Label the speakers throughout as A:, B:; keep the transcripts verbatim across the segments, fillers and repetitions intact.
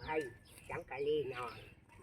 A: สังกะลีนอน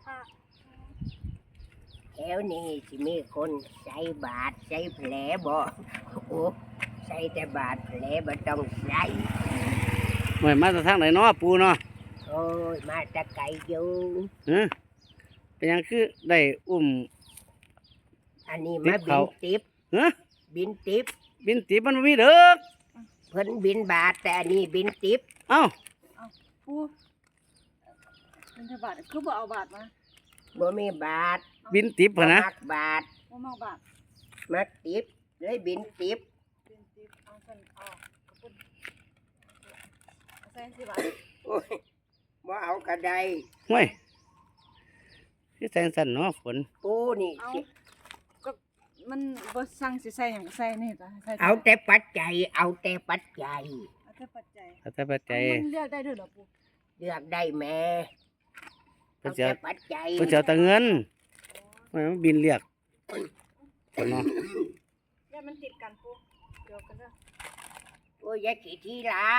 A: แถวนี้สิมีคนใส่บาทใส่แผลบ่โอ้ใส่แต่บาทแผลบ่ต้องใส่
B: หน่วยมาจากทางไหนเนาะปูเนาะ
A: โอ้ยมาแตะไกลอยู่
B: ฮะเป็นหยังคือได้อุ้ม
A: อันนี้มาบินติบ
B: ฮะ
A: บินติบ
B: บินตีมันบ่มีเด้อ
A: เพิ่นบินบาทแต่อันนี้บินติบ
B: เอ้า
C: ปูบินทบาทคือบ่เอาบาทมา
A: บ่มีบาท
B: บินติบ
A: บ่
B: พะนะ
A: มักบาท
C: บ่มาบาท
A: มักติบเลยบินติบ
C: บินสิเอาเพิ่นเอาขอบคุณเอาใส่สิบาท
A: โอ้ยบ่เอากระได
B: ห้วยคือแสงสั่นเนาะฝน
A: ปูนี่
C: เอา
A: สิ
C: ก็มันบ่สั่งสิใส่หยังใส่นี่จ้ะใส่
A: เอาแต่ปัจจัยเอาแต่ปัจจัย
C: เอาแต่ปัจจัย
B: ถ้าแต่ปัจจัย
C: มันเลือกได้ด้วยเหรอปู
A: เลือกได้แม่
B: เพิ่
A: เอา
B: นจะ
A: แต่ปัจจัย
B: เพิ่นจะเอาแต่เงินไม่มันบินเรียกฝนเนาะ
C: เดี๋ยวมันติดกันปูเดี๋ยวกันเด้อ
A: โอ้ยอยาขี้ที่หลาย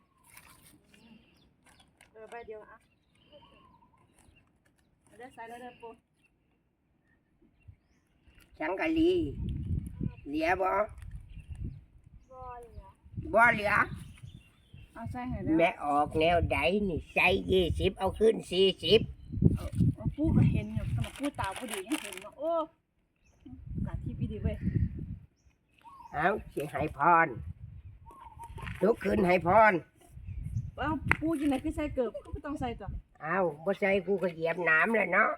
C: เออใบเดียวอ่ะเอาเด้อใส่แล้วเด้อปู
A: สังกะลีเหลือบ่
C: บ่เหลือ
A: บ่เหลือ
C: เอาใส่ให้แล้ว
A: แม่ออกแนวใดนี่ใส่ยี่สิบเอาขึ้นสี่สิบ
C: เอาปูก็เห็นอยู่สำหรับปูตาบ่ดียังเห็นเนาะโอ้กาที่พี่ดีเว้ย
A: เอาสิให้พรลุกขึ้นให้พร
C: เอาปูจังไหนคือใส่เกิบก็บ่ต้องใส่จ้ะ
A: เอาบ่ใส่กูก็เหยียบน้ำเลยเนาะ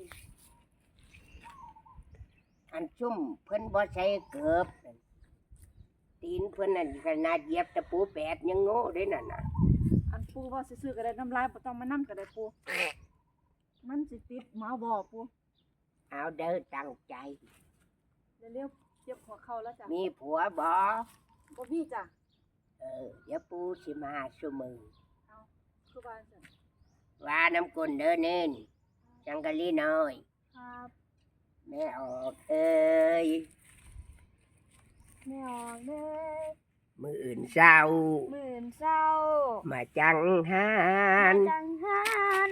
A: อันชุ่มเพิ่นบ่ใส่เกือบตีนเพิ่นนั่นขนาดเหยียบตะปูแปดยังโง่เด้นั่นน่ะ
C: อันปูว่าซื่อๆก็ได้น้ำลายบ่ต้องมานํก็ได้ปูมันสิติดหมาบ่ปู
A: เอาเด้อตั้งใจ
C: เร็วๆเจ็บหัวเข่าแล้วจ้ะ
A: มีผัวบ่
C: บ่มีจ้ะ
A: เออเดี๋ยวปูสิมาซุมือ
C: เอาคือว่าซั่น
A: ว่าน้ำกลนเด้อเน้นจังกะลีน้อย
C: ครับ
A: แม่ออกเอ้ย
C: แม่ออกเด้อ
A: มืออื่นเศร้า
C: มื้อเช้า
A: มาจังหาน
C: จังหัน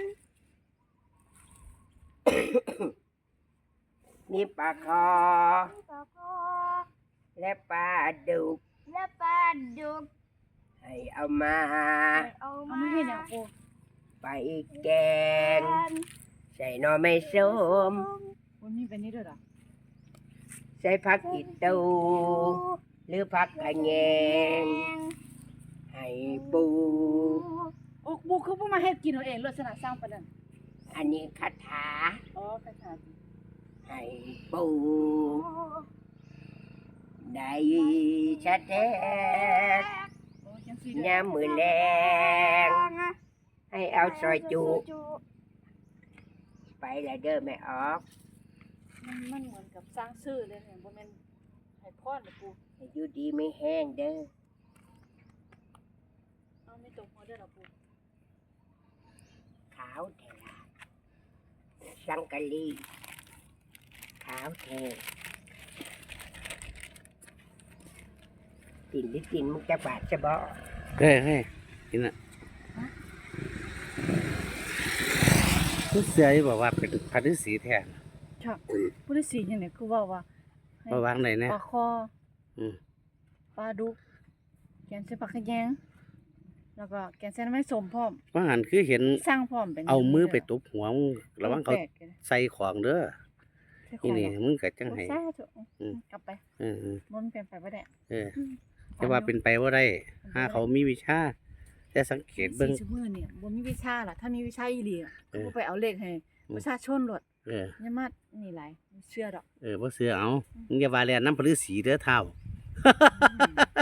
A: มีปลาคอ
C: ปลาคอ
A: และปลาดุก
C: และปลาดุก
A: ให้เอามา
C: เอามาให้หยังปู
A: ไปแกง ใส่หน่อไม้ส้ม
C: บ่มีแบบนี้ด้วยเหรอ
A: ใส่ผักอีตูหรือผักกระแยงให้ปู
C: โอ้ปูคือบ่มาเฮ็ดกินเอาเองลักษณะสร้างปานนั้น
A: อันนี้คาถา
C: อ๋อคาถา
A: ให้ปูได้ชะแท้
C: โอ้จังซี่เด้อย
A: ามมือแรงให้เอาซอยจุไปและเด้อแม่ออก
C: มันมันเหมือนกับสร้างชื่อเลยเนี่ยบ่แม่นให้พรนะปู
A: ให้อยู่ดีไม่แห้งเด้อ
C: เอาไม่ตกหัวเด้อล่ะปู
A: ขาวแทลาสังกะลีขาวแทกินหรือกินมึงจะบาดจะบ่
B: เฮ้ยเฮ้ยกินอ่ะผู้เสียบอกว่าเป็นพันธุ์สีแทน
C: ค่ะผู้ที่สี่จังได๋คือว่าว่าให้
B: มาวางไหนเนี่ย
C: ปลาคอ
B: อืม
C: ปลาดุกแกงใส่ผักขะแยงแล้วก็แกงใส่น้ำมันส้มพร้อม
B: ว่าหันคือเห็น
C: สร้างพร้อมเป็น
B: เอามือไปตบหัวมึงระวังเขา
C: แปลกๆเลย
B: ใส่ของเด้อ
C: ใส่ขอ
B: นี่
C: ง
B: นี่
C: เหรอ
B: มึงก็จัง
C: โอ้
B: ไห้
C: สาธุ
B: อืม
C: กลับไป
B: เออเออ
C: มันเป็นไปบ่ได้
B: เออแต่ว่าเป็นไปว่าได้ถ้าเขามีวิชาแต่สังเกตเบิ่ง
C: สี่ชั่วโมงเนี่ยบ่มีวิชาล่ะถ้ามีวิชาอีหลีอะ
B: เออ
C: ก็ไปเอาเลขให้ประชาชนโลด
B: เออ
C: อย่ามานี่หลายบ่เชื่อดอก
B: เออบ่เสือเอามึงอย่าว่าแลนน้ำพลือสีเด้อเท่า